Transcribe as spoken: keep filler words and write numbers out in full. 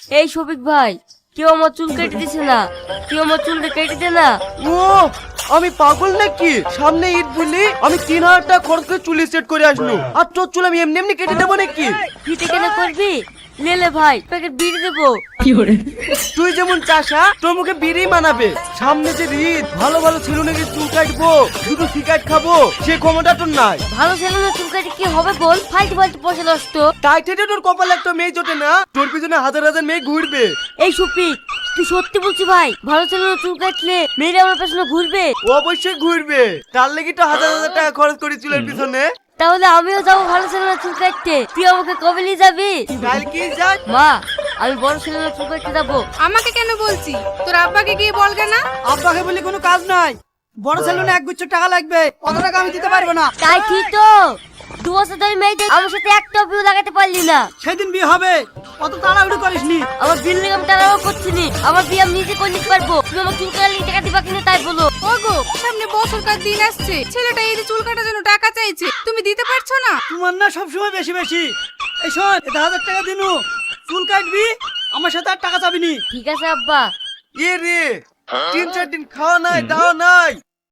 এই শফিক ভাই, কেউ আমার চুল কেটে দিছে না, কেউ আমার চুলটা কেটে দে না। ও আমি পাগল নাকি? সামনে ঈদ বলি আমি তিন হাজার টাকা খরচ করে চুল সেট করে আসলো, আর তোর চুল আমি এমনি এমনি কেটে দেবো নাকি? ফিতে কেনে করবি? লেলে ভাই, প্যাকেট বিড়ি দেবো। তুই যেমন চাষা তোর মুখে বিড়ি মানাবে। সামনে যে ঈদ, ভালো ভালো ছেলেকে চুল কাটবো, দুটো সিগারেট খাবো, সে ক্ষমতা তোর নাই। ভালো ছেলে না চুল কেটে কি হবে বল? ফালতু ফালতু পয়সা নষ্ট। তাই থেকে তোর কপালে একটা মেয়ে জোটে না, তোর পিছনে হাজার হাজার মেয়ে ঘুরবে। এই শফিক, তুই সত্যি বলছি ভাই? ভালো ছেলে না চুল কাটলে মেয়েরা আমার পেছনে ঘুরবে? ও অবশ্যই ঘুরবে, তার লেগে তো হাজার হাজার টাকা খরচ করি চুলের পিছনে। তাহলে আমিও যাবো ভালো ছেলে না চুল কাটতে। তুই আমাকে কবে নিয়ে যাবি? কাল কি যাক? মা, আমি বড় ছেলে না চুল কাটতে যাবো। আমাকে কেন বলছি? তোর আব্বাকে গিয়ে বলগে না? আব্বাকে বলে কোনো কাজ নাই। বড় সেলুনে এক গুচ্ছ টাকা লাগবে, অত টাকা আমি দিতে পারবো না। তাই ঠিক তো, দু বছর ধরে মেয়েদের আমার সাথে একটা বিয়ে লাগাতে পারলি না। সেদিন বিয়ে হবে, অত তাড়াহুড়ো করিস নি। আমার বিল্ডিং আমি টানাও করছি নি, আমার বিয়ে আমি নিজে করে নিতে পারবো। তুমি আমার চুল কাটার টাকা দিবা কিনা তাই বলো। ওগো, সামনে বছরকার দিন আসছে, ছেলেটা এই যে চুল কাটার জন্য টাকা চাইছে, তুমি দিতে পারছো না? তোমার না সবসময় বেশি বেশি। এই শোন, এটা হাজার টাকা দিনু, চুল কাটবি, আমার সাথে আর টাকা চাবি নি। ঠিক আছে আব্বা। এ রে, তিন চার দিন খাওয়া নাই দাওয়া নাই,